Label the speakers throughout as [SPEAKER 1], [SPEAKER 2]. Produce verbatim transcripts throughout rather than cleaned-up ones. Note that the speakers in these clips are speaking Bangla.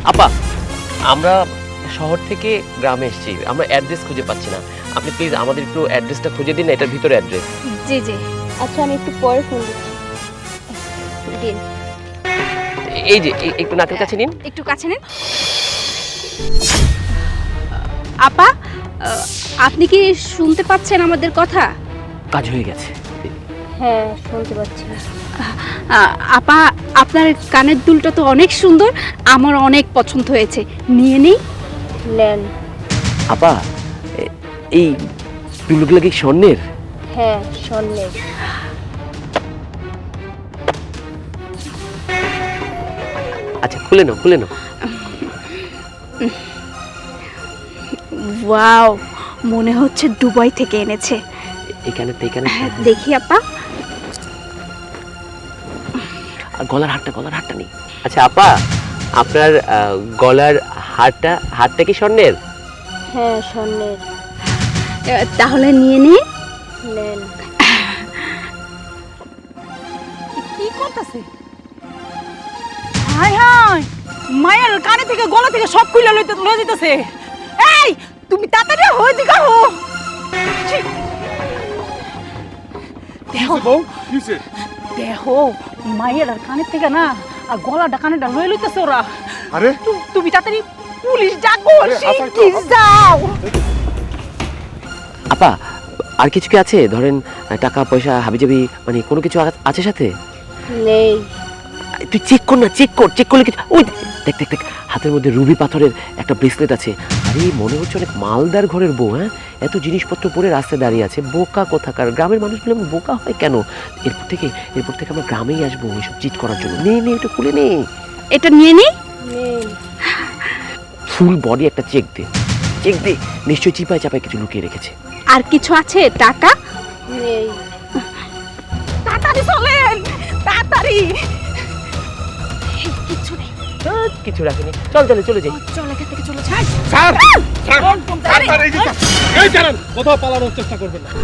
[SPEAKER 1] আপা, আমরা শহর থেকে গ্রামে এসেছি, আমরা অ্যাড্রেস খুঁজে পাচ্ছি না। আপনি প্লিজ আমাদের একটু অ্যাড্রেসটা খুঁজে দিন না, এটার ভিতরে অ্যাড্রেস।
[SPEAKER 2] জি জি আচ্ছা আমি একটু পরে ফোন দিচ্ছি। দিন
[SPEAKER 1] এই যে এই- একটু নাকের কাছে নিন।
[SPEAKER 2] একটু কাছে নিন। আপা আহ, আপনি কি শুনতে পাচ্ছেন আমাদের কথা?
[SPEAKER 1] কাজ হয়ে গেছে।
[SPEAKER 2] হ্যাঁ শুনতে পাচ্ছি। আপা আপনার কানের দুলটা তো অনেক সুন্দর, আমার অনেক পছন্দ হয়েছে, নিয়ে নেই। নেন।
[SPEAKER 1] আপা, এ- এই দুলগুলো কি স্বর্ণের?
[SPEAKER 2] হ্যাঁ স্বর্ণের।
[SPEAKER 1] আচ্ছা খুলে নাও, খুলে নাও।
[SPEAKER 2] ওয়াও, মনে হচ্ছে দুবাই থেকে এনেছে।
[SPEAKER 1] এখানে তো এখানে
[SPEAKER 2] হ্যাঁ দেখি আপা।
[SPEAKER 1] আর গলার হারটা, গলার হারটা নেই। আচ্ছা আপা, আপনার আহ, গলার হারটা হারটা কি স্বর্ণের?
[SPEAKER 2] হ্যাঁ স্বর্ণের। তাহলে নিয়ে নে। নেন।
[SPEAKER 3] কি করতেছে? হাই হাই, মায়ের কানে থেকে গলা থেকে সব খুলে লইতে লয়ে যেতেছে। এই তুমি তাড়াতাড়ি হই দিকা হো। দেহ
[SPEAKER 4] বউ কিছে?
[SPEAKER 3] দেহ মায়ের আর কানে থেকে না আর গলাটা কানেটা লয়ে লইতেছে ওরা।
[SPEAKER 4] আরে
[SPEAKER 3] তু- তুমি তাড়াতাড়ি পুলিশ ডাকো,
[SPEAKER 4] আরে, আসাই তো,
[SPEAKER 3] শিগগির যাও।
[SPEAKER 1] আপা, আর কিছু কি আছে? ধরেন টাকা পয়সা হাবিজাবি মানে কোনো কিছু আ- আছে সাথে?
[SPEAKER 2] নেই।
[SPEAKER 1] তুই চেক কর না, চেক কর, চেক করলে কিছু। ওই দেখ দেখ দেখ, হাতের মধ্যে রুবি পাথরের একটা ব্রেসলেট আছে। আরে মনে হচ্ছে অনেক মালদার ঘরের বউ। হ্যাঁ, এত জিনিসপত্র পরে রাস্তায় দাঁড়িয়ে আছে। বোকা কোথাকার, গ্রামের মানুষগুলো এমন বোকা হয় কেন? এরপর থেকে এরপর থেকে আমরা গ্রামেই আসবো এইসব চিট করার জন্য। নে নে, এটা খুলে নে।
[SPEAKER 2] এটা নিয়ে নি। নেই।
[SPEAKER 1] ফুল বডি একটা চেক দে, চেক দে। নিশ্চয়ই চিপায় চাপায় কিছু লুকিয়ে রেখেছে।
[SPEAKER 2] আর কিছু আছে? টাকা নেই।
[SPEAKER 3] তাড়াতাড়ি চলেন, তাড়াতাড়ি।
[SPEAKER 2] কিছু নেই।
[SPEAKER 1] ধ্যাৎ, কিছু রাখেনি। চল চলে চলে যাই।
[SPEAKER 2] চল এখান থেকে চলে যাই।
[SPEAKER 4] স্যার স্যার স্যার স্যার, এই যে স্যার, এই জানেন কোথাও পালানোর চেষ্টা করবেন না।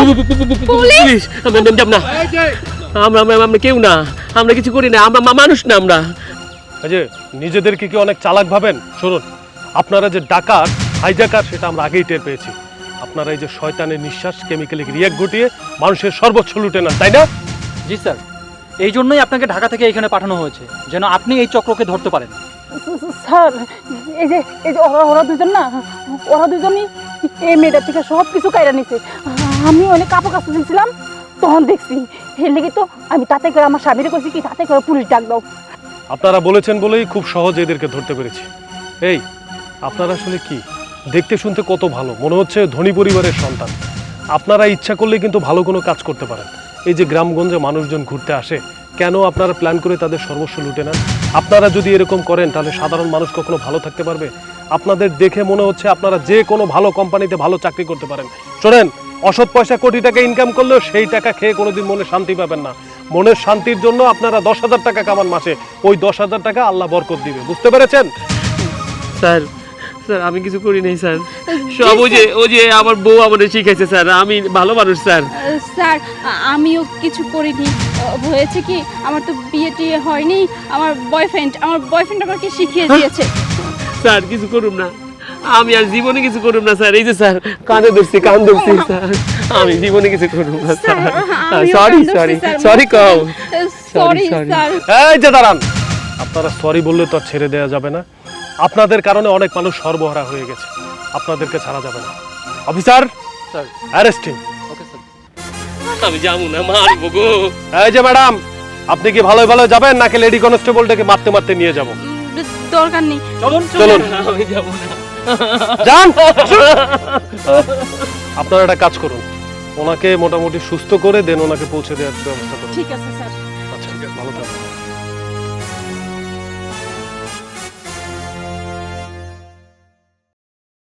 [SPEAKER 1] পুলিশ! আমরা যাব না,
[SPEAKER 4] এই যে
[SPEAKER 1] আমরা আমরা- আমরা কেউ না, আমরা কিছু করি না, আমরা মা- মানুষ না আমরা।
[SPEAKER 4] এই যে নিজেদেরকে কি অনেক চালাক ভাবেন? শুনুন, আপনারা যে ডাকাত হাইজাকার সেটা আমরা আগেই টের পেয়েছি। আপনারা এই যে শয়তানের নিঃশ্বাস কেমিক্যালি রিয়াক্ট ঘটিয়ে মানুষের সর্বোচ্চ লুটে নেন, তাই না?
[SPEAKER 5] জি স্যার, এই জন্যই আপনাকে ঢাকা থেকে এখানে পাঠানো হয়েছে, যেন আপনি এই চক্রকে ধরতে পারেন।
[SPEAKER 3] স্যার এই যে এই যে ওরা ওরা দুজন না, ওরা দুজনই এই মেয়েটার থেকে সব কিছু কাইরা নিছে। আমি অনেক কাপড় কাচতে দিয়েছিলাম, তখন দেখছি। এর লেগে তো আমি তাতে করে আমার স্বামীরে কইছি কি তাতে করে পুলিশ ডাক দাও।
[SPEAKER 4] আপনারা বলেছেন বলেই খুব সহজে এদেরকে ধরতে পেরেছি। এই আপনারা আসলে কি দেখতে শুনতে কত ভালো, মনে হচ্ছে ধনী পরিবারের সন্তান। আপনারা ইচ্ছা করলে কিন্তু ভালো কোনো কাজ করতে পারেন। এই যে গ্রামগঞ্জে মানুষজন ঘুরতে আসে, কেন আপনারা প্ল্যান করে তাদের সর্বস্ব লুটে নেন? আপনারা যদি এরকম করেন তাহলে সাধারণ মানুষ কখনো ভালো থাকতে পারবে? আপনাদের দেখে মনে হচ্ছে আপনারা যে কোনো ভালো কোম্পানিতে ভালো চাকরি করতে পারেন। শোনেন, অসৎ পয়সা কোটি টাকা ইনকাম করলেও সেই টাকা খেয়ে কোনোদিন মনে শান্তি পাবেন না। মনের শান্তির জন্য আপনারা দশ হাজার টাকা কামান মাসে, ওই দশ হাজার টাকা আল্লাহ বরকত দিবে, বুঝতে পেরেছেন?
[SPEAKER 1] স্যার স্যার আমি কিছু করি নাই স্যার, সব ওই যে ওই যে আমার বউ আমাদের শিখাইছে স্যার। আমি ভালো মানুষ স্যার।
[SPEAKER 2] স্যার আমিও কিছু করিনি। হয়েছে কি, আমার তো বিয়ে টিয়ে হয়নি। আমার বয়ফ্রেন্ড আমার বয়ফ্রেন্ড আমাকে শিখিয়ে দিয়েছে।
[SPEAKER 1] স্যার কিছু করুম না, আমি আর জীবনে কিছু করুম না স্যার। এই যে স্যার কানে ধরছি, কান ধরছি স্যার, আমি জীবনে কিছু করুম না স্যার। সরি সরি সরি কও।
[SPEAKER 2] Sorry
[SPEAKER 1] sorry.
[SPEAKER 2] স্যার।
[SPEAKER 4] এই যে দাঁড়ান, আপনারা সরি বললে তো আর ছেড়ে দেওয়া যাবে না। আপনাদের কারণে অনেক মানুষ সর্বহারা হয়ে গেছে, আপনাদেরকে ছাড়া যাবে না। Officer
[SPEAKER 5] sir,
[SPEAKER 4] arrest him.
[SPEAKER 5] Okay sir.
[SPEAKER 1] আমি যাবো না, মারবো গো।
[SPEAKER 4] এই যে ম্যাডাম, আপনি কি ভালোই ভালো যাবেন নাকি লেডি কনস্টেবলটাকে মারতে মারতে নিয়ে যাব?
[SPEAKER 2] দরকার নেই।
[SPEAKER 4] চলুন চলুন
[SPEAKER 1] আমি যাবো না।
[SPEAKER 4] যান। আপনারা একটা কাজ করুন, ওনাকে মোটামুটি সুস্থ করে দেন ওনাকে পৌঁছে দেওয়ার ব্যবস্থা করুন।
[SPEAKER 3] ঠিক আছে স্যার।
[SPEAKER 4] আচ্ছা, ভালো থাকবেন।